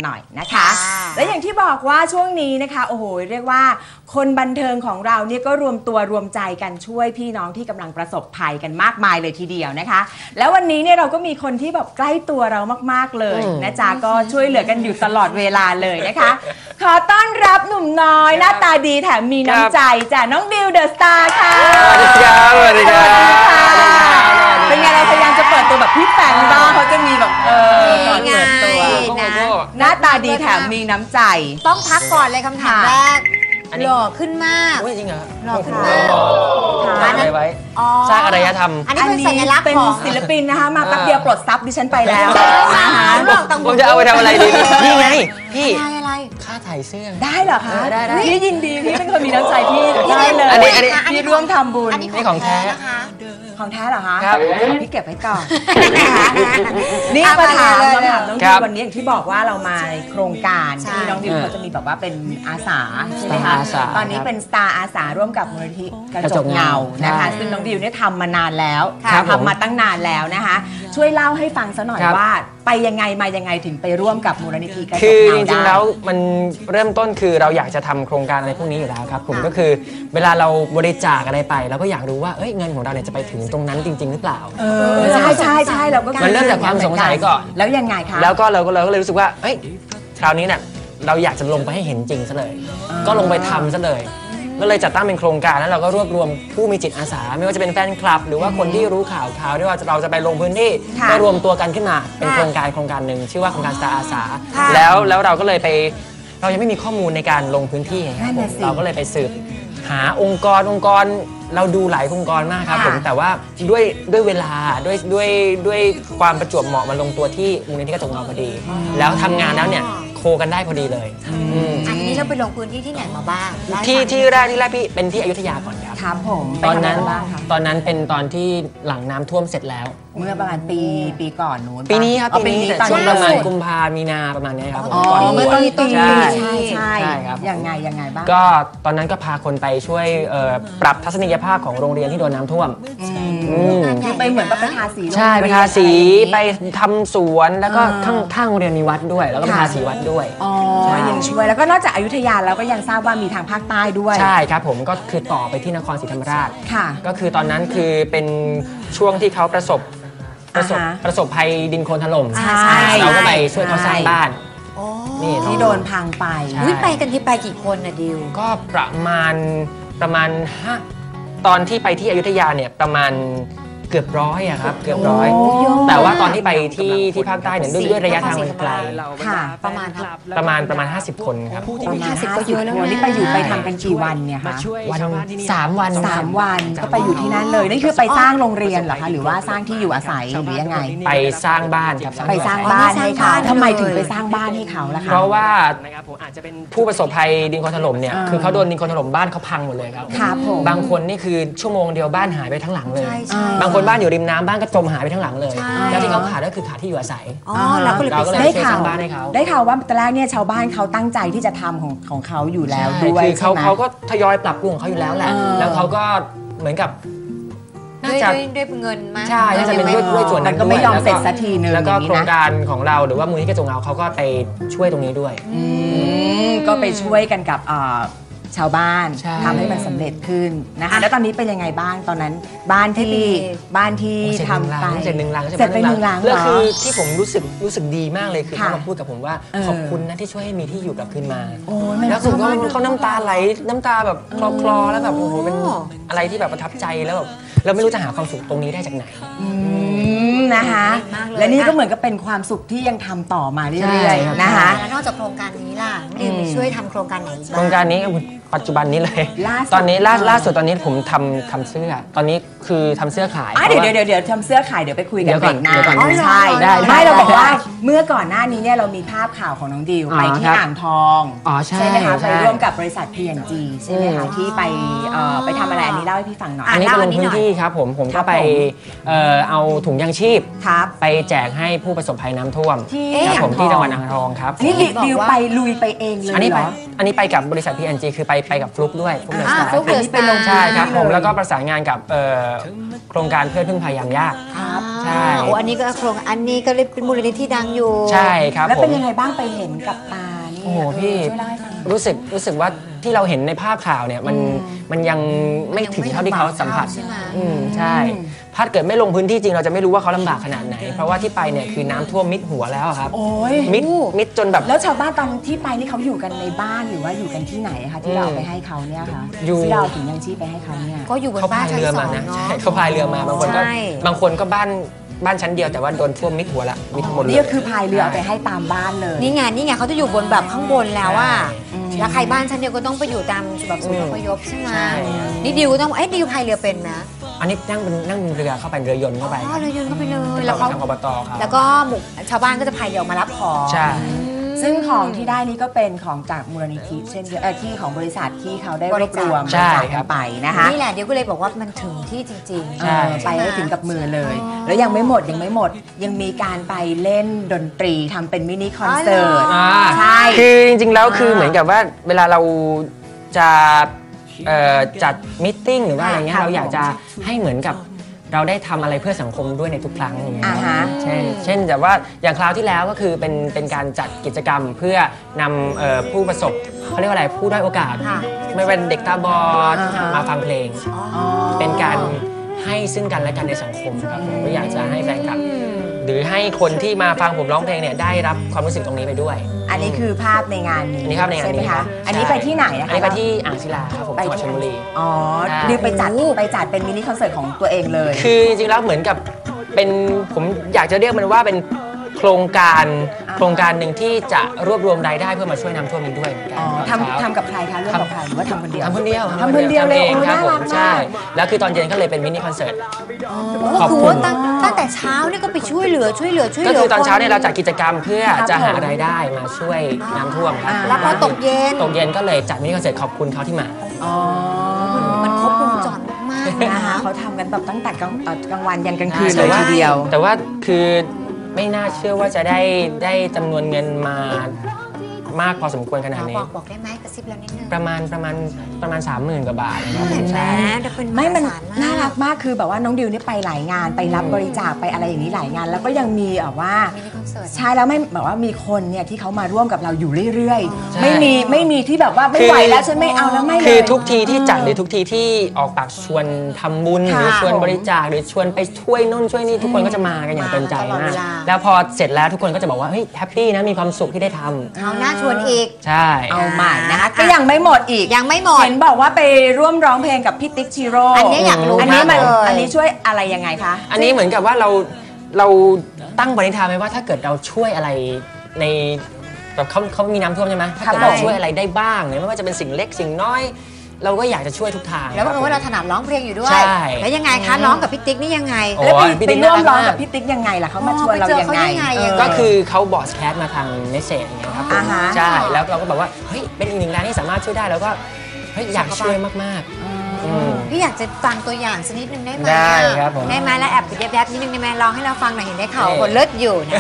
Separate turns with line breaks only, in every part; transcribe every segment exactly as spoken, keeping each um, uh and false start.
หน่อยนะคะและอย่างที่บอกว่าช่วงนี้นะคะโอ้โหเรียกว่าคนบันเทิงของเราเนี่ยก็รวมตัวรวมใจกันช่วยพี่น้องที่กำลังประสบภัยกันมากมายเลยทีเดียวนะคะแล้ววันนี้เนี่ยเราก็มีคนที่แบบใกล้ตัวเรามากๆเลยนะจ๊ะก็ช่วยเหลือกันอยู่ตลอดเวลาเลยนะคะขอต้อนรับหนุ่มน้อยหน้าตาดีแถมมีน้ำใจจ้ะน้องดิวเดอะสตาร์ค่ะ
สวัสดีครับสวัสดีครับ
เป็นไงเราพยายามจะเปิดตัวแบบพี่แฟนบ้างเขาจะมีแบบเออเปิดตัวหน้าตาดีแถมมีน้ำใจ
ต้องพักก่อนเลยคำถามแรกหล่อขึ้นมาก
จริงเหรอ
หล่อขึ้นมาก
สร้างอะไรไว้สร้างอารยธรรม
อันนี้เป็นสัญลักษณ์
เป็นศิลปินนะคะมาแป๊บเดียวปลดซับดิฉันไปแล้วนะคะ
ผมจะเอาไปทำอะไรดีนี่ไงพี่
อะไร
ค่าถ่ายเสื้อ
ได้เหรอคะพี่ยินดีพี่เป็นคนมีน้ำใจพี่ได้เลย
อันนี้อันนี้
พี่ร่วมทำบุญ
นี่ของแท้นะคะ
ของแท้เหรอคะ
ครับ
พี่เก็บไว้ก่อนนี่มาถามมาถามน้องดิววันนี้อย่างที่บอกว่าเรามาในโครงการที่น้องดิวเขาจะมีแบบว่าเป็นอาสาใช่ไหมคะตอนนี้เป็นสตาร์อาสาร่วมกับมูลนิธิกระจกเงานะคะซึ่งน้องดิวเนี่ยทำมานานแล้วทำมาตั้งนานแล้วนะคะช่วยเล่าให้ฟังซะหน่อยว่าไปยังไงมายังไงถึงไปร่วมกับมูลนิธิกระจกเงา
คือจริงๆแล้วมันเริ่มต้นคือเราอยากจะทำโครงการอะไรพวกนี้อยู่แล้วครับผมก็คือเวลาเราบริจาคอะไรไปเราก็อยากรู้ว่าเอ้ยเงินของเราเนี่ยจะไปถึงตรงนั้นจริงๆหรือเปล่า
เออใช่ใช่ใช่เราก็
มันเริ่มจากความสงสัยก่อน
แล้วยังไงคะ
แล้วก็เราก็เราก็เลยรู้สึกว่าเอ้ยคราวนี้เนี่ยเราอยากจะลงไปให้เห็นจริงซะเลยก็ลงไปทำซะเลยก็เลยจัดตั้งเป็นโครงการแล้วเราก็รวบรวมผู้มีจิตอาสาไม่ว่าจะเป็นแฟนคลับหรือว่าคนที่รู้ข่าวข่าวที่ว่าเราจะไปลงพื้นที่ก็รวมตัวกันขึ้นมาเป็นโครงการโครงการหนึ่งชื่อว่าโครงการสตาร์อาสาแล้วแล้วเราก็เลยไปเรายังไม่มีข้อมูลในการลงพื้นที่ครับผมเราก็เลยไปสืบหาองค์กรองค์กรเราดูหลายองค์กรมากครับผมแต่ว่าด้วยด้วยเวลาด้วยด้วยด้วยความประจวบเหมาะมาลงตัวที่มูลนิธิกระจกเงาพอดีแล้วทำงานแล้วเนี่ยโคกันได้พอดีเลย
อันนี้เราไปลงพื้นที่ที่ไหนมาบ้าง
ที่ที่แรกที่แรกพี่เป็นที่อยุธยาก่อนครับ
ครับผม
ตอนนั้นตอนนั้นเป็นตอนที่หลังน้ำท่วมเสร็จแล้ว
เมื่อประมาณปีปีก่อนนู้น
ปีนี้ครับปีนี้แต่ช่วงประมาณกุมภามีนาประมาณนี้ครับ
อ๋อเมื่อต้นปีใช่ใช่ครับยังไงยังไงบ้าง
ก็ตอนนั้นก็พาคนไปช่วยปรับทัศนียภาพของโรงเรียนที่โดนน้ำท่วม
คือไปเหมือนไปทาสี
ใช่ไปทาสีไปทำสวนแล้วก็ข้างข้างโรงเรียนมีวัดด้วยแล้วก็ทาสีวัดด้วย
อ๋อยังช่วยแล้วก็นอกจากอยุธยาแล้วก็ยังทราบว่ามีทางภาคใต้ด้วย
ใช่ครับผมก็คือต่อไปที่นครศรีธรรมราช
ค่ะ
ก็คือตอนนั้นคือเป็นช่วงที่เขาประสบประสบประสบภัยดินโคลนถล่มเราก็ไปช่วยเขาสร้างบ้าน
นี่ที่โดนพังไป
ไปกันที่ไปกี่คนนะดิว
ก็ประมาณประมาณห้าตอนที่ไปที่อยุธยาเนี่ยประมาณเกือบร้อยอะครับเกือบร้อยแต่ว่าตอนที่ไปที่ที่ภาคใต้เนี่ยด้วยระยะทางมันไกล
ค่ะ
ประมาณ
ประมาณประมาณห้าสิบคนครับ
ประมาณห้าสิบก็เยอะแล้วนี่ไปอยู่ไปทำกันกี่วันเนี่ยคะ
วันสามวัน
สามวันก็ไปอยู่ที่นั่นเลยนี่คือไปสร้างโรงเรียนเหรอคะหรือว่าสร้างที่อยู่อาศัยหรือยังไง
ไปสร้างบ้านครับ
ไปสร้างบ้านให้เขาทำไมถึงไปสร้างบ้านให้เขาล่ะคะ
เพราะว่าผู้ประสบภัยดินโคลนถล่มเนี่ยคือเขาโดนดินโคลนถล่มบ้านเขาพังหมดเลยครับบางคนนี่คือชั่วโมงเดียวบ้านหายไปทั้งหลังเลยบางคนบ้านอยู่ริมน้ำบ้านก็จมหายไปทั้งหลังเลยแล้วที่เขาขาดก็คือขาดที่อยู่อาศัย
เราก็เลยได้ข่าวได้ข่าวว่าตอนแรกเนี่ยชาวบ้านเขาตั้งใจที่จะทำของของเขาอยู่แล้วด้วย
คือเขาเขาก็ทยอยปรับปรุงของเขาอยู่แล้วแหละแล้วเขาก็เหมือนกับ
น่าจะด้วยเงินมาก
ใช่น่าจะเป็นด้วยด้วยส่วนนั้น
ก็ไม่ยอมเสร็จสักทีนึง
แล้วก็โครงการของเราหรือว่ามูลนิธิกระจกเงาเขาก็ไปช่วยตรงนี้ด้วย
ก็ไปช่วยกันกับชาวบ้านทำให้มันสำเร็จขึ้นนะคะแล้วตอนนี้เป็นยังไงบ้างตอนนั้นบ้านที่บ้านที่ทำไป
เสร็จหนึ่งหลัง
เสร็จไปหนึ่งหลัง
แล้วคือที่ผมรู้สึกรู้สึกดีมากเลยคือเขามาพูดกับผมว่าขอบคุณนะที่ช่วยให้มีที่อยู่กลับคืนมาแล้วคือเขาเขาน้ำตาไหลน้ำตาแบบคลอคลอแล้วแบบโอ้โหเป็นอะไรที่แบบประทับใจแล้วแบบเราไม่รู้จะหาความสุขตรงนี้ได้จากไหน
นะคะและนี่ก็เหมือนกับเป็นความสุขที่ยังทำต่อมาเรื่อยๆนะคะ
แล้วนอกจากโครงการนี้ล่ะดิวไปช่วยทำโครงการไหนบ้าง
โครงการนี้ปัจจุบันนี้เลยตอนนี้ล่าล่าสุดตอนนี้ผมทำทำเสื้อตอนนี้คือทำเสื้อขาย
เดี๋ยวเดี๋ยวเดี๋ยวทำเสื้อขายเดี๋ยวไปคุยกันเบรกหน้าใช่ไม่เราบอกว่าเมื่อก่อนหน้านี้เนี่ยเรามีภาพข่าวของน้องดิวไปที่อ่างทองใช่ไหมคะไปร่วมกับบริษัท พี แอนด์ จี ใช่ไหมคะที่ไปไปทำอะไรอันนี้เล่าให้พี่ฟังหน่อย
อันนี้ก็ลงพื้นที่ครับผมผมก็ไปเอาถุงยางชีชีพ
ครับ
ไปแจกให้ผู้ประสบภัยน้ำท่วม
ที่
ครับผม
อ่างทอง
ที่จังหวัดอ่างทองครับ
อันนี้ดิวไปลุยไปเองเลย
อันนี้
เห
ไป
รอ
อันนี้ไปกับบริษัท พี เอ็น จี คือไปไปกับฟลุกด้วยฟลุกเดอะ
อ่า
สตาร์
ฟลุกเดอะสตาร์
ใช่ครับผม
เลย
แล้วก็ประสานงานกับเอ่อโครงการเพื่อนพึ่งพายามยาก
ครับ
ใช่
โอ้อันนี้ก็โครงอันนี้ก็เลยเป็นมูลนิธิดังอยู่
ใช่ครับ
แล้ว
ผ
เป็น
ม
ยังไงบ้างไปเห็นกับตานี่
โอ้โหพี่
ช่วยเล่าให้ฟังหน่อย
รู้สึกรู้สึกว่าที่เราเห็นในภาพข่าวเนี่ยมันมันยังไม่ถึงเท่าที่เขาสัมผัส
ใช่ไหม
อืมใช่ถ้าเกิดไม่ลงพื้นที่จริงเราจะไม่รู้ว่าเขาลำบากขนาดไหน เพราะว่าที่ไปเนี่ยคือน้ำท่วมมิดหัวแล้วอะครับ
โอ้ย
มิดมิดจนแบบ
แล้วชาวบ้านตอนที่ไปนี่เขาอยู่กันในบ้านหรือว่าอยู่กันที่ไหนคะที่เราเอาไปให้เขาเนี่ยคะ
อยู่
ที่เราเอาถุงยังชีพไปให้เขาเนี่ย
ก็อยู่บน
เขา
บ้า
พาน ย
ชั้น
เรือ
สอ
มาง นะ
เนาะ
ใช่เขาพายเรือมาบางคนก็
ใช่
บางคนก็บ้านบ้านชั้นเดียวแต่ว่าโดนท่วมมิดหัวละมิดหมดเลย
นี่ก็คือพายเรือเอาไปให้ตามบ้านเลย
นี่ไงนี่ไงเขาจะอยู่บนแบบข้างบนแล้วว่า
อืม
แล้วใครบ้านชั้นเดียวก็ต้องไปอยู่ตามแบบศูนย์อพยพใช่ไหม
ใช่
นี่ดิวก็ต้องเอ้ยดิวพายเรือเป็นนะ
อันนี้นั่งเป็นนั่งเรือเข้าไปเรือยนต์เข้าไป
อ๋อเรือยนต์เข้าไปเลย
แล้
แล้ว ว
เขา
เขา
ทางอบตครับ
แล้วก็หมู่ชาวบ้านก็จะพายเรือออกมารับของ
ใช่
ซึ่งของที่ได้นี่ก็เป็นของจากมูลนิธิเช่นเดียวเอ่อที่ของบริษัทที่เขาได้รวบรวม
ใช่
บริจาค
ครั
กับ นไปนะคะ
นี่แหละเดี๋ยวก็เลยบอกว่ามันถึงที่จริงๆ
เออไปให้ถึงกับมือเลย แล้วยังไม่หมดยังไม่หมดยังมีการไปเล่นดนตรีทำเป็นมินิคอนเสิร์ต
อ่า
ใช่
คือจริงๆแล้วคือ
อ่า
เหมือนกับว่าเวลาเราจะเอ่อจัดมิทติ้งหรือว่าอะไรเงี้ย
ค่ะ
เราอยากจะให้เหมือนกับเราได้ทำอะไรเพื่อสังคมด้วยในทุกครั้งอย่างเงี้ย
อ่าฮะ
เช่นเช่นแต่ว่าอย่างคราวที่แล้วก็คือเป็นเป็นการจัดกิจกรรมเพื่อนำเอ่อผู้ประสบเขาเรียกว่าอะไรผู้ด้อยโอกาส
ค่ะ
ไม่เป็นเด็กตาบอด
อ่าฮะ
มาฟังเพลง
อ๋อ
เป็นการให้ซึ่งกันและกันในสังคมครับผมก็อยากจะให้แฟนคลับ หรือให้คนที่มาฟังผมร้องเพลงเนี่ยได้รับความรู้สึกตรงนี้ไปด้วย
อันนี้คือภาพในงานนี้
อันนี้ภาพในงาน
ใช่ไหม
นี้ค
คะ
รับ
อันนี้
ใช่
ไปที่ไหนอะคะ
อันนี้ไปที่อ่างศิลาครับผมจังหวัดชลบุรี
อ๋อ
ใช่
ดิวไปจัดไปจัดเป็นมินิคอนเสิร์ตของตัวเองเลย
คือจริงๆแล้วเหมือนกับเป็นผมอยากจะเรียกมันว่าเป็นโครงการโครงการหนึ่งที่จะรวบรวมรายได้เพื่อมาช่วยน้ำท่วมนี้ด้วยเหมือนกัน
อ๋อ
ตอนเช้า
ทำทำกับใครคะร่วมกับใครหรือว่าทำคนเดียว
ทำคนเดียว
ทำคนเดียวเลย
ทำเอง
โอ้
ครับ
น่า
ผ
รั
ม
ก
ใช่
มาก
แล้วคือตอนเย็นก็เลยเป็นมินิคอนเสิร์ต ข
ก็
อบ
คือ
คุณ
ว่าตั้งตั้งแต่เช้าเนี่ยก็ไปช่วยเหลือช่วยเหลือช่วยเห
ก็
ลือ
คือตอนเช้าเนี่ยเราจัด
ค
กิจกรรมเพื่อจะหารายได้มาช่วยน้ำท่วมครับ
อ่า
แล้วพอตกเย็น
ตกเย็นก็เลยจัดมินิคอนเสิร์ตขอบคุณเขาที่มา
อ๋อ
มันครบวงจรมากๆเลย
นะ
นะคะ คะ
เขาทำกันแบบตั้งแต่กลางเอ่อกลางวันยันกลางคืน
แต่
เลย
ว่า
ทีเดียว
แต่ว่าคือไม่น่าเชื่อว่าจะได้ได้จำนวนเงินมามากพอสมควรขนาดนี้
บอกบอกได้ไหมกระซิบเรานิดนึง
ประมาณประมาณประมาณสามหมื่นกว่าบาทนะครับผ
เห็
ม
นไหม
ใช่
แต่เป็น
ไม่มัน
หศล
น่ารักมากคือแบบว่าน้องดิวนี่ไปหลายงานไปรับบริจาคไปอะไรอย่างนี้หลายงาน แล้วก็ยังมีแบบว่า
มินิคอนเสิร์ต
ใช่แล้วไม่แบบว่ามีคนเนี่ยที่เขามาร่วมกับเราอยู่เรื่อย
ใช่
ๆ ไม่มีไม่มีที่แบบว่าไม่ไหวแล้วฉันไม่เอาแล้วไม่เลย
คือทุกทีที่จัดหรือทุกทีที่ออกปากชวนทำบุญห
ค่ะ
รือชวนบริจาคหรือชวนไปช่วยนู่นช่วยนี่ทุกคนก็จะมากันอย่างเต็มใจ
ตลอด
มา
เว
ก
ลา
แล้วพอเสร็จแล้วทุกคนก็จะบอกว่าเฮ้ยแฮปปี้นะมีความสุขที่ได้ทำ
เอาหน้าชวนอีก
ใช่
เอาใหม่นะคะก็ยังไม่หมดอีก
ยังไม่หมด
เห็นบอกว่าไปร่วมร้องเพลงกับพี่ติ๊กชิโร่
อันนี้อยากรู้
อันนี้มัน
มากเลย
อันนี้ช่วยอะไรยังไงคะ
อันนี้เหมือนกับว่าเราเราตั้งปณิธานไว้ว่าถ้าเกิดเราช่วยอะไรในแบบเขาเขามีน้ำท่วมใช่ไหมถ้าเกิด
ครับ
เราช่วยอะไรได้บ้างเนี่ยไม่ว่าจะเป็นสิ่งเล็กสิ่งน้อย เราก็อยากจะช่วยทุกทาง
แล้วบังเอิญว่าเรา
ค
ถ
บ
นัดร้องเพลงอยู่ด้วย
ใช่
แล้วยังไงคะร้องกับพี่ติ๊กนี่ยังไง
โอ้
แล้วไป
พี่
ไป
ติ๊ก
ร่วม
น่ารัก
ร้องกับ
มาก
พี่ติ๊กยังไงล่ะเขามาชวนเรา
ไปเจอ
ยัง
เขา
ไง
ได้ไง
เออ
ก็คือเขาบอสแคสมาทางเมสเซจอย่างเงี้ยครับผม
อ่าฮะ
ใช่แล้วเราก็แบบว่าเฮ้ยเป็นอีกหนึ่งรายที่สามารถช่วยได้แล้วก็เฮ้ยอยากช่วยมากๆอืม
พี่อยากจะฟังตัวอย่างสักนิดนึงได้ไหม
ได้ครับผม
ได้ไหมแล้วแอบแยบๆนิดนึงได้ไหมลองให้เราฟังหน่อยเห็นได้ข่าว
เออ
คนเลิศอยู่นะ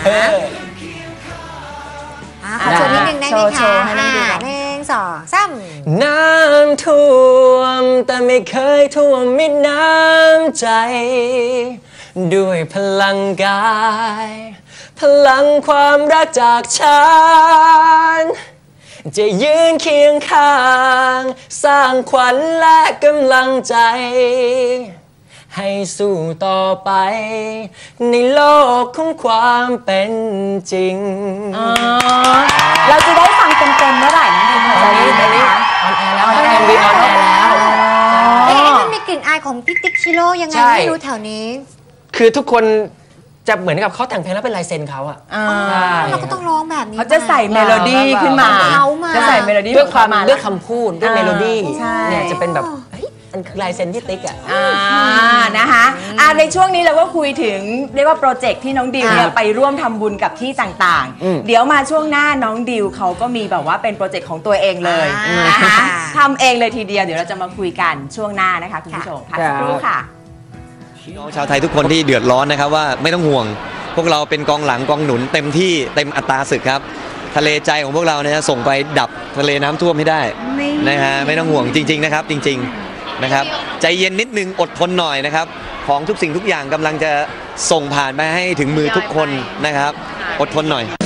อ่ะขอโชว์นิดนึงได้ไหม
โช
คะ
ว์ให้น้องดูก่อน
หนึ่งสองสาม
น้ำท่วมแต่ไม่เคยท่วมมิดน้ำใจ ด้วยพลังกาย พลังความรักจากฉัน จะยืนเคียงข้าง สร้างขวัญและกำลังใจ ให้สู้ต่อไป ในโลกของความเป็นจริง
อ๋อเราจะได้ฟังเต็มๆเมื่อไหร่น้องดิว
ตอนนี้ตอนนี้ออนแอร์แล้วครับ เอ็ม วี ออนแอร์แล้ว
เอ๊ะมันมีกลิ่นอายของพี่ติ๊กชิโร่ยังไง
ใช่
ไม่รู้แถวนี้
คือทุกคนจะเหมือนกับเขาแต่งเพลงแล้วเป็นลายเซ็นเขาอะ
อ่า
ใช่
เราก็ต้องร้องแบบนี้
เขาจะใส่เมโลดี้ขึ้นมา
เขามา
จะใส่เมโลดี้
ด้วยความ
มา
ด้วยคำพูดด้วยเมโลดี้
ใช่
เนี่ยจะเป็นแบบเฮ้ยมันคือลายเซ็นที่ติ๊กอะ
อ่านะคะอ่าในช่วงนี้เราก็คุยถึงเรียกว่าโปรเจกต์ที่น้องดิวเนี่ยไปร่วมทำบุญกับที่ต่าง
อืม
ๆ เดี๋ยวมาช่วงหน้าน้องดิวเขาก็มีแบบว่าเป็นโปรเจกต์ของตัวเองเลย
อ่าน
นะคะทำเองเลยทีเดียวเดี๋ยวเราจะมาคุยกันช่วงหน้านะคะคุณผู้ชมพักสักครู่ค่ะ
น้องชาวไทยทุกคนที่เดือดร้อนนะครับว่าไม่ต้องห่วงพวกเราเป็นกองหลังกองหนุนเต็มที่เต็มอัตราศึกครับทะเลใจของพวกเราเนี่ยส่งไปดับทะเลน้ำท่วมให้ได้นะฮะไม่ต้องห่วงจริงๆนะครับจริงๆนะครับใจเย็นนิดนึงอดทนหน่อยนะครับของทุกสิ่งทุกอย่างกำลังจะส่งผ่านไปให้ถึงมือทุกคนนะครับอดทนหน่อย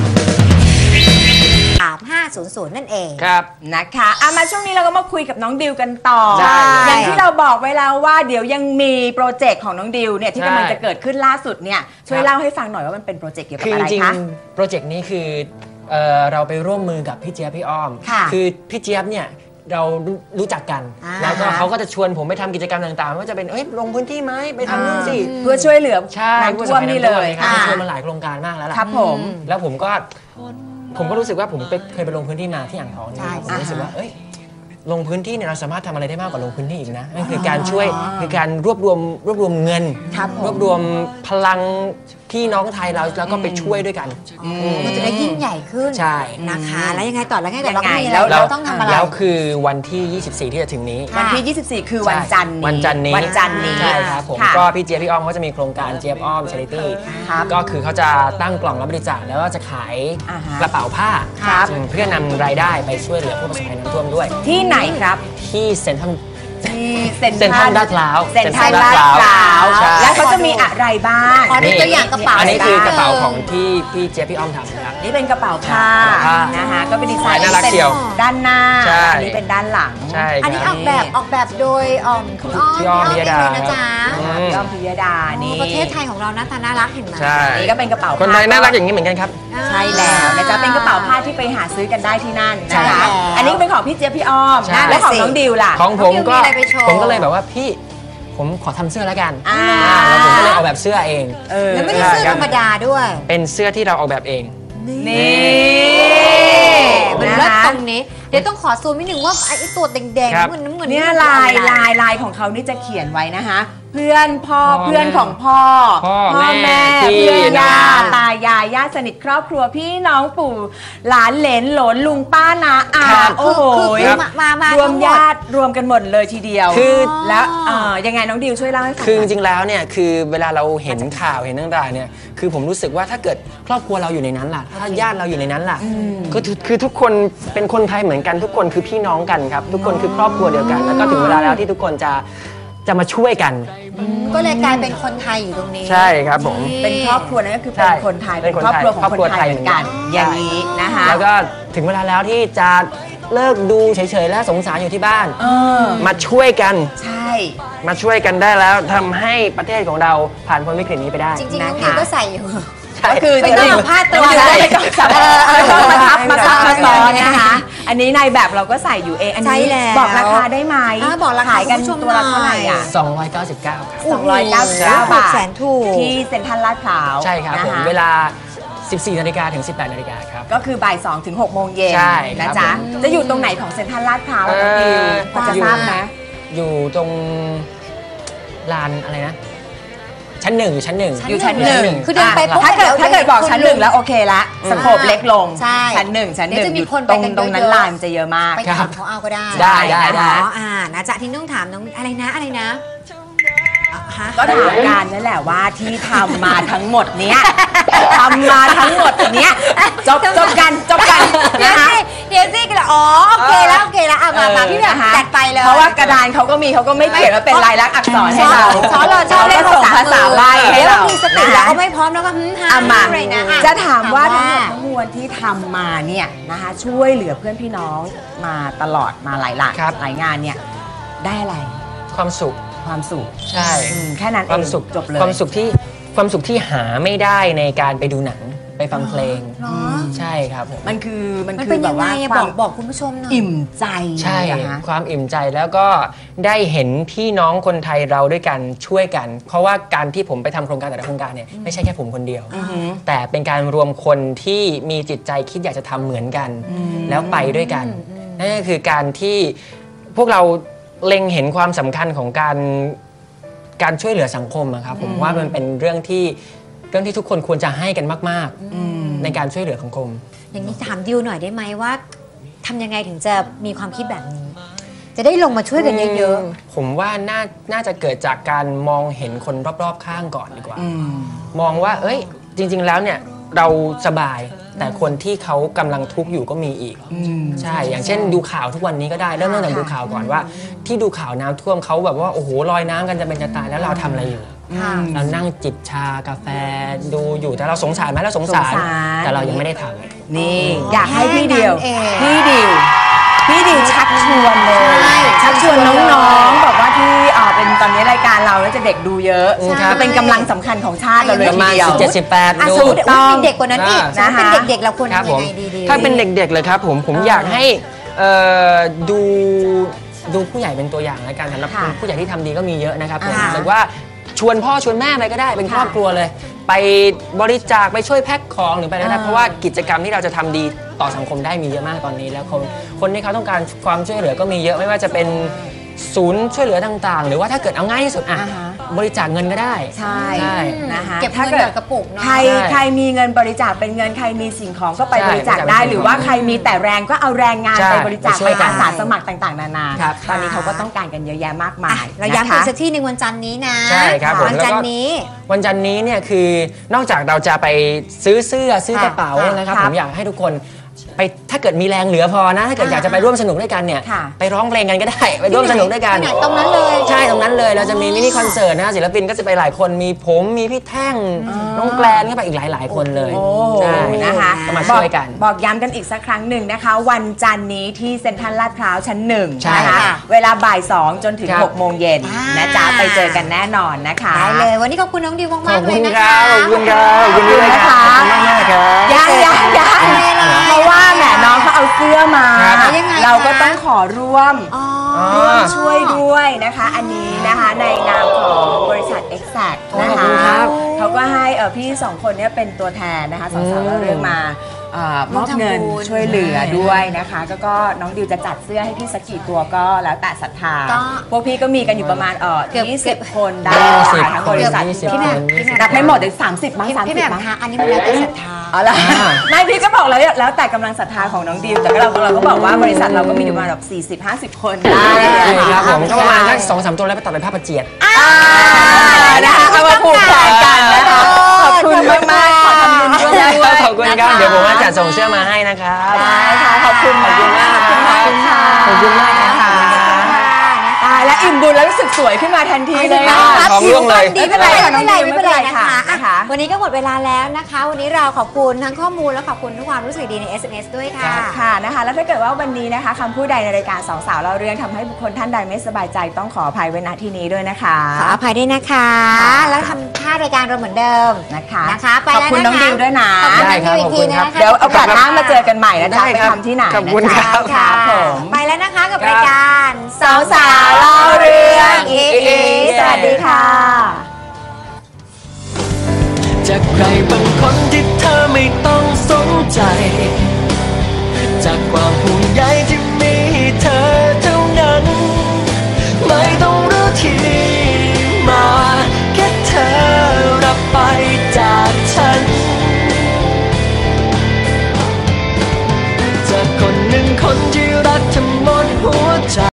สามห้าศูนย์ศูนย์นั่นเอง
ครับ
นะคะอ่ะมาช่วงนี้เราก็มาคุยกับน้องดิวกันต่อ
ได้
อย่างที่เราบอกไว้แล้วว่าเดี๋ยวยังมีโปรเจกต์ของน้องดิวเนี่ยที่
ใช่
กำลังจะเกิดขึ้นล่าสุดเนี่ยช่วย
ครับ
เล่าให้ฟังหน่อยว่ามันเป็นโปรเจกต์เกี่ยวกับ
คือ
อะ
จ
ไร
ริง
คะ
ๆโปรเจกต์นี้คือเอ่อเราไปร่วมมือกับพี่เจี๊ยบพี่อ้อม
ค่ะ
คือพี่เจี๊ยบเนี่ยเรารู้รู้จักกัน
อ่า
แล้วก็เขาก็จะชวนผมไปทำกิจกรรมต่างๆไม่ว่าจะเป็นเอ้ยลงพื้นที่ไหมไปทำนู่นสิ
เพื่อช่วยเหลือ
ใช่
น้ำท่วมนี่เลย
ครับ
ค่ะ
ชวนมาหลายโครงการมากแล้วล่ะ
ครับผม
แล้วผมก็ผมก็รู้สึกว่าผมไปเคยไปลงพื้นที่มาที่อ่างทองเนี่ย
ใช่
ผมรู้สึกว่า
อ่าฮะ
เอ้ยลงพื้นที่เนี่ยเราสามารถทำอะไรได้มากกว่าลงพื้นที่อีกนะนั่นคือการช่วยคือการรวบรวมรวบรวมเงิน
ครับผม
รวบรวมพลังพี่น้องไทยเราแล้วก็ไปช่วยด้วยกัน
มันจะได้ยิ่งใหญ่ขึ้น
ใช่
นะคะ แล้วยังไงต่อแล้วไงต่อเรา
ยังไง
ก็มีอะไร
แล้ว
เราต้องทำอะไร
แล้วคือวันที่ ยี่สิบสี่ ที่จะถึงนี้
วันที่ ยี่สิบสี่ คือวันจันทร์นี้
วันจันทร์นี้
วันจันทร์นี้
ใช่ครับผม
ค่ะ
ก็พี่เจี๊ยบพี่อ้อมเขาจะมีโครงการเจี๊ยบอ้อม Charity
ครับ
ก็คือเขาจะตั้งกล่องรับบริจาคแล้วก็จะขาย
อ่าฮะ
กระเป๋าผ้า
ครับ
เพื่อนำรายได้ไปช่วยเหลือผู้ประสบภัยน้ำท่วมด้วย
ที่ไหนครับ
ที่เซ็นทรัล
ที่เซ็น
เซ็นทรัลลาดพร้าว
เซ็นทรัล
เซ็นทรัล
ลา
ลา
ด
ด
พ
พ
ร้า
ร้าว วใช่
แล้วเขาจะมีอะไรบ้าง
ขอดูตัวอย่างกระเป๋า
อันนี้คือกระเป๋า
ได้
ของที่พี่เจี๊ยบพี่อ้อมทำนะครับ
นี่เป็นกระเป๋าผ้า
ผ้า
นะคะก็เป็นดีไซน์
น่ารักเชียว
ด้านหน้า
ใช่
อันนี้เป็นด้านหลัง
ใช่
อันนี้
ค
อ
รั
อบ กแบบออกแบบโดยอ่อมคุณอ้อม
พี่อ้อม
พี่
พิยดา
เองเลยนะจ๊ะ
อืม
พี่อ้อมพิยดานี่
ประเทศไทยของเราหน้าตาน่ารักเห็นไหม
ใช่
นี่ก็เป็นกระเป๋า
คนไทยน่ารักอย่างนี้เหมือนกันครับ
ใช่แล้วนะจ๊ะเป็นกระเป๋าผ้าที่ไปหาซื้อกันได้ที่นั่น
ใช่
นะคะ
แล้ว
อันนี้ก็เป็นของพี่เจี๊ยบพี่อ้อม
ใช่
และของน้องดิวล่ะ
ของผม
น้องดิว
ก็
มีอะไรไปโชว์
ผมก็เลยแบบว่าพี่ผมขอทำเสื้อแล้วกัน
อ่า
อ่าแล้วผมก็เลยออกแบบเสื้อเอง
เออ
แล้วไม่ใช่เสื้อธรรมดาด้วย
เป็นเสื้อที่เราออกแบบเอง
นี่
มัน
นะ
เลิศ
คะ
ตรงนี้ เดี๋ยวต้องขอซูมนิดหนึ่งว่าไอ้ตัวแดง
ครับ
ๆน้ำเงินน้ำเงิน
เนี่ย
มั
ลาย
คืออะไร
ลายลายของเขานี่จะเขียนไว้นะคะเพื่อนพ่อ
พ่อ
เพื่อนของพ่อ
พ่อ
แม่
พี่
เพื่อนย่า
น้อง
ตายายญาติสนิทครอบครัวพี่น้องปู่หลานเหลนหลนลุงป้านาอา
ครับ
โอ้โห
คือคือมามามาร
วมญาติรวมกันหมดเลยทีเดียว
คือ
แล้วเอ่อยังไงน้องดิวช่วยเล่าให้ฟัง
คือจ
หน่อย
ริงๆแล้วเนี่ยคือเวลาเราเห็นข่าวเห็นต่างๆเนี่ยคือผมรู้สึกว่าถ้าเกิดครอบครัวเราอยู่ในนั้นล่ะถ้าญาติเราอยู่ในนั้นล่ะก็คือคือทุกคนเป็นคนไทยเหมือนกันทุกคนคือพี่น้องกันครับทุกคนคือครอบครัวเดียวกัน แล้วก็ถึงเวลาแล้วที่ทุกคนจะจะมาช่วยกัน
ก็เลยกลายเป็นคนไทยอยู่ตรงนี้
ใช่ครับผม
เป็นครอบครัวนั่นก็คือ
ใช่
เป็นคนไทย
เป็
เป็น
นคน
ครอบครัวของ
ครอบ
ค
ครัวน
ไทยเหมือนกัน
ไทยเหมือนกัน
อย่างนี้นะคะ
แล้วก็ถึงเวลาแล้วที่จะเลิกดูเฉยๆและสงสารอยู่ที่บ้าน
เออ
มาช่วยกัน
ใช่
มาช่วยกันได้แล้วทำให้ประเทศของเราผ่านพ้นวิกฤตนี้ไปได้
จริงๆน้อง
นะคะ
ดิวก็ใส่อยู่
ก็คือ
ไม่ต้อง
จริ
เอาผ้าตัว
ไม่
เลย
ไม่ต้องสับ
เออเออ
ไม่ต้องมาทับมาซับมาซ้อน
เออ
นะคะ อันนี้ในแบบเราก็ใส่อยู่เอง อัน
ใช่
นี้
แล้ว
บอกราคาได้ไหม
อ่าบอกราคา
ขายกัน
คุณผู้ชม
ตัวละเท่าไหร่อ่ะ
สองร้อยเก้าสิบเก้าครับ
สองร้อยเก้าสิบเก้า
ถูก
บาท
แสนถูก
ที่เซ็นทรัลลาดพร้าว
ใช่ครับผม
นะะ
เวลา สิบสี่นาฬิกาถึง สิบแปดนาฬิกาครับ
ก็คือบ่ายสองถึงหกโมงเย็น
ใช่ครั
นะ
บ
จ๊ะ
ผม
จะอยู่ตรงไหนของเซ็นทรัลลาดพร้าวอะน้องดิว
เอ่อ
พอจะทราบไหม
อยู่ตรงลานอะไรนะ ชั้นหนึ่งอยู่ชั้นหนึ่ง
อยู่ชั้นหนึ่ง
คือเดินไปปุ๊บ
ถ้าเกิด
เดี๋ยว
ถ้าเกิดบอกชั้นหนึ่ง
คน
แล้วโอเคละสโคปเล็กลง
ใช่
ชั้นหนึ่งชั้นหนึ่ง
เดี๋ยวจะมี
อยู่
คนไป
ตรง
กันเยอะๆ
ตรงนั้นลานจะเยอะมาก
ไป
ครั
ถาม
บ
เขาเอาก็ได้
ได้ได้ได้
อ๋ออ่านะจ๊ะที่ต้องถามน้องอะไรนะอะไรนะอ่ะฮะ
ก็ถามกันนั่นแหละว่าที่ทำมาทั้งหมดเนี้ยทำมาทั้งหมดเนี้ยจบจบกันจบกัน
เดี๋ย
นะ
ว
คะ
สิเดี๋ยวสิกันละอ๋อโอเคแล้วโอเคแล้วอ่ะมามาพี่แบบ
นะคะ
จัดไปเลย
เพราะว่ากระดานเขาก็มีเขาก็ไม่เขียนว่าเป็นลายลักษณ์อักษรให้เรา
ช้อนเราชอบเล่น
ขก็ส่งภาษาใบให้
เดี๋ยว
เรา
มีสติแล้วก็ไม่พร้อมแล้วก็ฮึ่มฮ่า
อ่ะมา
อะไรนะอ่
จะถามว่าทั้งหมดทั้งมวลที่ทำมาเนี่ยนะคะช่วยเหลือเพื่อนพี่น้องมาตลอดมาหลายหลัก
ครับ
หลายงานเนี่ยได้อะไร
ความสุข
ความสุข
ใช่
อืมแค่นั้น
ค
เอ
วาม
ง
สุข
จบเลย
ความสุขที่ความสุขที่หาไม่ได้ในการไปดูหนังไปฟังเพลง
เหรอ
ใช่ครับผม
มันคือมัน
มัน
คื
เป็
อน แบ
ยั
บ
งไง
ว่า
อะ
ค
บ
วา
อ
ม
กบอกคุณผู้ชมหน่อย
อิ่มใจ
ใช่
เหรอคะ
ความอิ่มใจแล้วก็ได้เห็นพี่น้องคนไทยเราด้วยกันช่วยกัน เพราะว่าการที่ผมไปทำโครงการแต่ละโครงการเนี่ยไม่ใช่แค่ผมคนเดียว
อือหือ
แต่เป็นการรวมคนที่มีจิตใจคิดอยากจะทำเหมือนกัน แล้วไปด้วยกันนั่นก็คือการที่พวกเราเล็งเห็นความสำคัญของการการช่วยเหลือสังคมอะครับผมว่ามันเป็นเรื่องที่เรื่องที่ทุกคนควรจะให้กันมาก ๆ ในการช่วยเหลือสังคม
อย่างนี้ถามดิวหน่อยได้ไหมว่าทำยังไงถึงจะมีความคิดแบบนี้จะได้ลงมาช่วยกันเยอะ
ผมว่าน่าน่าจะเกิดจากการมองเห็นคนรอบๆข้างก่อนดีกว่า มองว่าเอ้ยจริงๆแล้วเนี่ยเราสบายแต่คนที่เขากำลังทุกข์อยู่ก็มีอีกใช่อย่างเช่นดูข่าวทุกวันนี้ก็ได้เริ่มตั้งแต่ดูข่าวก่อนว่า ที่ดูข่าวน้ำท่วมเขาแบบว่าโอ้โหลอยน้ำกันจะเป็นจะตายแล้วเราทำอะไรอยู่
ค่ะ
เรานั่งจิบชากาแฟดูอยู่แต่เราสงสารไหมเราสงสาร
สงสาร
แต่เรายังไม่ได้ทำ
นี่อยากให้พี่เดียว
แค่นั้นเอง
พี่ดิวพี่ดิวชักชวนเลย
ใช่
ชักชวนน้องๆบอกว่าที่เอ่อเป็นตอนนี้รายการเราแล้วจะเด็กดูเยอะ
ใช่
จะเป็นกำลังสำคัญของชาติเราเลย
ประ
ที
มาณ
เดียว
สิบเจ็ดสิบแปด
อ่ะ
ดู
สมมติว่ามีเด็กกว่านั้นอีก
นะ
ถ้า
คะ
เป็นเด็กๆเราควร
ครับ
ทำ
ผ
ยัง
ม
ไงดีๆ
ถ้าเป็นเด็กๆเลยครับผมผมอยากให้เอ่อดูดูผู้ใหญ่เป็นตัวอย่างแล้วกันสำหรับ
ค่ะ
ผู้ใหญ่ที่ทำดีก็มีเยอะนะครับผม
อ่า
หรือว่าชวนพ่อชวนแม่ไปก็ได้เป็นครอบครัวเลย ไปบริจาคไปช่วยแพ็คของหรือไปอะไรก็ได้
อ่า
เพราะว่ากิจกรรมที่เราจะทำดีต่อสังคมได้มีเยอะมากตอนนี้แล้วคนคนที่เขาต้องการความช่วยเหลือก็มีเยอะไม่ว่าจะเป็นศูนย์ช่วยเหลือต่างๆ หรือว่าถ้าเกิดเอาง่ายที่สุดอ่ะ
อ่าฮะ
บริจาคเงินก็ได้
ใช่
ใช่
นะคะ
เก็บเงิน
ถ้า
หยอดกระปุกเนาะ
ใคร
ใช่
ใครมีเงินบริจาคเป็นเงินใครมีสิ่งของก็ไป
ใช่
บริจาคได้
บริจาค
หรือว่าใครมีแต่แรงก็เอาแรงงาน
ใช่
ไปบริจาค
ไปช่
ไป
วยกัน
อาสาสมัครต่างๆ นานา
ครับ
ตอนนี้เขาก็ต้องการกันเยอะแยะมากมา
อ่ะ
ย
เราย้ำ
นะ
อี
คะ
กสักที่หนึ่งวันจันทร์นี้นะ
ใช่ครับผม
วันจันทร์นี้
วันจันทร์นี้เนี่ยคือนอกจากเราจะไปซื้อเสื้อซื้อกระเป๋า
ค่ะ
นะครับ
ครับ
ผมอยากให้ทุกคนไปถ้าเกิดมีแรงเหลือพอนะถ้าเกิดอยากจะไปร่วมสนุกด้วยกันเนี่ย
ค่ะ
ไปร้องเพลงกันก็ได้ ไปร่วมสนุกด้วยกัน
ที่ไหนตรงนั้นเลย
ใช่ตรงนั้นเลยเราจะมีมินิคอนเสิร์ตนะศิลปินก็จะไปหลายคนมีผมมีพี่แท่งน้องแกลนก็ไปอีกหลาย ๆ คนเลย
โอ้
ใช่
นะคะ
ก็มาช่วยกัน
บอกบอกย้ำกันอีกสักครั้งหนึ่งนะคะ วันจันทร์นี้ที่เซ็นทรัลลาดพร้าวชั้นหนึ่ง
ใช่
นะคะ
ค่ะ
เวลาบ่ายสองจนถึง
ครับ
หกโมงเย็น
อ่าน
นะจ๊ะไปเจอกันแน่นอนนะคะ
ได้เลย วันนี้ขอบคุณน้องดิว
ข
มา
อก บ
ๆเล
คุ
ย
ณ
นะ
ค
คะ
รับขอบคุณครับขอบคุณด้วยนะครับขอบคุณมากๆครับ
ยังยังยัง
ไม่เป็นไร
เพราะว่าแหมน้องเขาเอาเสื้อมา
ครับ
ยังไง
เราก็
คะ
ต้องขอร่วม
อ๋อ
ร่วมช่วยด้วยนะคะ อันนี้นะคะในนามของบริษัท Exact นะ
ขอบ
คะ
คุณครับ
เขาก็ให้เอ่อพี่สองคนเนี้เป็นตัวแทนนะคะสองสาว
อืม
เราเรื่องมาเอ่อมอบเงิน
ร่วมทำบุญ
ช่วยเหลือด้วยนะคะก็ก็น้องดิวจะจัดเสื้อให้พี่สักกี่ตัวก็แล้วแต่ศรัทธา
ก็
พวกพี่ก็มีกันอยู่ประมาณเอ่อ
เกือบ
ยี่สิบคนได้
ยี่สิบ
ทั้งบริษัท
ยี่สิบ
พี่แหม่มพี่แหม่ม
นับไม่หมดเลยสามสิบมั้ง
พี่
สาม
พี่
สิ
แห
บ
ม่ม
มั้ง
คะอันนี้มันแล้วแต่ศรัทธา
อ๋อเหรอไม่พี่ก็บอกแล้วแล้วแต่กำลังศรัทธาของน้องดิวแต่ก็เราเราก็บอกว่าบริษัทเราก็มีอยู่ประมาณแบบสี่สิบห้าสิบคนได้
ใช่
นะะ
ครับผมก็ประมาณสักสองสามตัวแล้วไปตัดเป็นผ้าประเจียด
อ่านะคะเอามาผูกแขนกันนะคะขอบคุณมากมากๆขอทำบุญด้วย
ขอบคุณครับเดี๋ยวผมว่าจัดส่งเสื้อมาให้นะครับ
ได้ค่ะขอบคุณ
ขอบคุณมาก
ขอบคุณมากค่ะ
ขอบคุณมากนะคะ
ตายแล้วอิ่มบุญแล้วรู้สึกสวยขึ้นมาทันทีเลย
อ่า
ค่ะ
ท้องร่วงเลย
ดีไม่เป็นไรไม่เป็นไรไม่เป็นไรนะคะ
นะ
อ่ะ
คะ
วันนี้ก็หมดเวลาแล้วนะคะ วันนี้เราขอบคุณทั้งข้อมูลและขอบคุณทุกความรู้สึกดีใน เอส เอ็ม เอส ด้วยค่ะ
ค่ะนะคะแล้วถ้าเกิดว่าวันนี้นะคะคำพูดใดในรายการสองสาวเล่าเรื่องทำให้บุคคลท่านใดไม่สบายใจต้องขออภัยไว้ณที่นี้ด้วยนะคะ
ขออภัยด้วยนะคะ แล้วทำท่ารายการเราเหมือนเดิม
นะคะ
นะคะไป
ขอบ
แล้ว
คุณน้อง
นะคะ
ดิวด้วยนะ
ขอบคุณ
ได้
น้อง
ครับ
ดิวอีกทีนะ
ขอบคุณครับ
คะ
เดี๋ยวโอกาสหน้ามาเจอกันใหม่นะจ๊ะ
ได้
ไป
ครับ
ทำที่ไหน
ขอบคุณ
นะ
ครั
จ๊ะ
บ
ครับผม
ไปแล้วนะคะกับรายการ
สาวสาวเล่าเรื่องอีอีสวัสดีค่ะ
จากใครบางคนที่เธอไม่ต้องสนใจ จากความห่วงใยที่มีให้เธอเท่านั้น ไม่ต้องรู้ที่มาแค่เธอรับไปจากฉัน จากคนหนึ่งคนที่รักเธอหม